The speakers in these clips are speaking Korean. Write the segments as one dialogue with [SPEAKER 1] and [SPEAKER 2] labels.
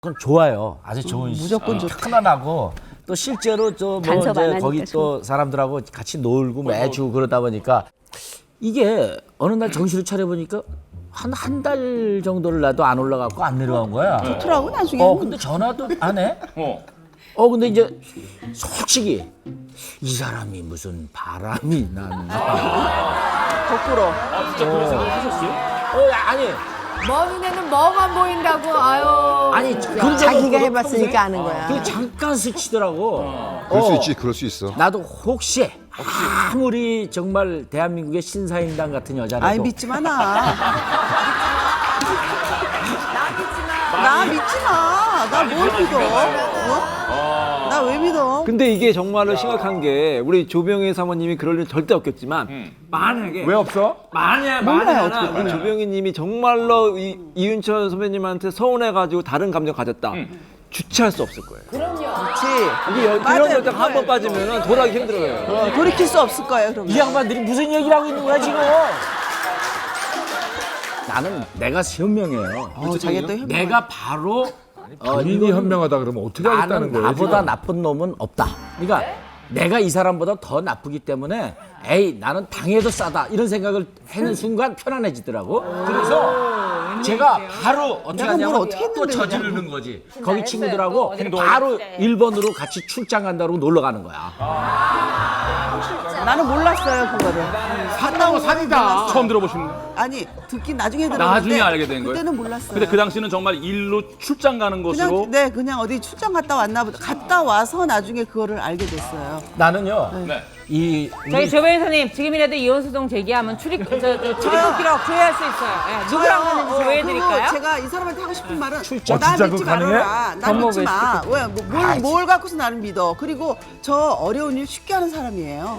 [SPEAKER 1] 그건 좋아요. 아주 좋은
[SPEAKER 2] 무조건 좋다.
[SPEAKER 1] 편안하고 또 실제로 저 뭐
[SPEAKER 3] 간섭 안
[SPEAKER 1] 이제
[SPEAKER 3] 하니까
[SPEAKER 1] 거기 또 사람들하고 같이 놀고 매주 그러다 보니까 이게 어느 날 정신을 차려 보니까 한 달 정도를 나도 안 올라갔고 안 내려간 거야.
[SPEAKER 2] 좋더라고 나중에.
[SPEAKER 1] 근데 전화도 안 해. 근데 이제 솔직히 이 사람이 무슨 바람이 나는가.
[SPEAKER 2] 거꾸로.
[SPEAKER 4] 진짜 그런 생각 하셨어요?
[SPEAKER 1] 아니
[SPEAKER 5] 먼 눈에는 뭐만 보인다고. 아유.
[SPEAKER 1] 아니 그런 적은
[SPEAKER 2] 자기가
[SPEAKER 1] 없거든,
[SPEAKER 2] 해봤으니까
[SPEAKER 1] 평소에.
[SPEAKER 2] 아는 거야.
[SPEAKER 1] 그 잠깐 스치더라고.
[SPEAKER 6] 그럴 수 있지, 그럴 수 있어.
[SPEAKER 1] 나도 혹시 아무리 정말 대한민국의 신사임당 같은 여자라도
[SPEAKER 2] 아이 믿지 마 나. 나 믿지 마. 나 뭘 믿어? 나 왜 믿어?
[SPEAKER 7] 근데 이게 정말로 심각한 게 우리 조병희 사모님이 그럴 일 절대 없겠지만 만약에
[SPEAKER 6] 왜 없어?
[SPEAKER 7] 만약에 우리 조병희님이 정말로 이윤철 선배님한테 서운해가지고 다른 감정 가졌다. 주체할 수 없을 거예요.
[SPEAKER 2] 그렇지.
[SPEAKER 7] 이게 그런
[SPEAKER 2] 맞아요,
[SPEAKER 7] 여자가 한 번 빠지면 돌아가기 힘들어요.
[SPEAKER 2] 돌이킬 수 없을 거예요. 그러면.
[SPEAKER 1] 이 양반들이 무슨 얘기를 하고 있는 거야 지금? 나는 내가 현명해요.
[SPEAKER 2] 자기가 또 현명.
[SPEAKER 1] 내가 바로
[SPEAKER 6] 본인이 현명하다 그러면 어떻게 하겠다는
[SPEAKER 1] 나는
[SPEAKER 6] 거예요?
[SPEAKER 1] 나보다
[SPEAKER 6] 지금?
[SPEAKER 1] 나쁜 놈은 없다. 그러니까 내가 이 사람보다 더 나쁘기 때문에 에이 나는 당해도 싸다 이런 생각을 하는 순간 편안해지더라고. 그래서 제가 바로 어떻게
[SPEAKER 2] 내가 뭘
[SPEAKER 1] 하냐면
[SPEAKER 2] 어떻게
[SPEAKER 1] 또
[SPEAKER 2] 했는데
[SPEAKER 1] 저지르는 거지. 거기 친구들하고
[SPEAKER 5] 또
[SPEAKER 1] 바로 일본으로 같이 출장 간다고 놀러 가는 거야.
[SPEAKER 2] 나는 몰랐어요 그거를.
[SPEAKER 6] 산다고 산이다.
[SPEAKER 4] 처음 들어보시는 거예요?
[SPEAKER 2] 아니 듣긴 나중에 들었는데.
[SPEAKER 4] 나중에 알게 된 거예요?
[SPEAKER 2] 그때는 몰랐어요.
[SPEAKER 4] 근데 그 당시는 정말 일로 출장 가는 것으로
[SPEAKER 2] 그냥 어디 출장 갔다 왔나 보다. 갔다 와서 나중에 그거를 알게 됐어요.
[SPEAKER 1] 나는요.
[SPEAKER 4] 네.
[SPEAKER 5] 저희 조배인 선생님 지금이라도 이혼소송 제기하면 출입국 기록 조회할 수 있어요. 예, 누구랑 갔는지 조회해드릴까요?
[SPEAKER 2] 그리고 제가 이 사람한테 하고 싶은 말은
[SPEAKER 6] 진짜
[SPEAKER 2] 나
[SPEAKER 6] 그거
[SPEAKER 2] 믿지
[SPEAKER 6] 가능해?
[SPEAKER 2] 말아라. 나 믿지 마. 뭘 갖고서 나를 믿어. 그리고 저 어려운 일 쉽게 하는 사람이에요.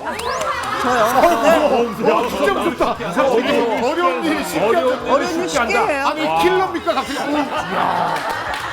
[SPEAKER 2] 저요.
[SPEAKER 6] 진짜 무섭다. 어려운 일이 쉽게
[SPEAKER 2] 어려운 일 쉽게 해요.
[SPEAKER 6] 아니 킬러입니까 갑자기?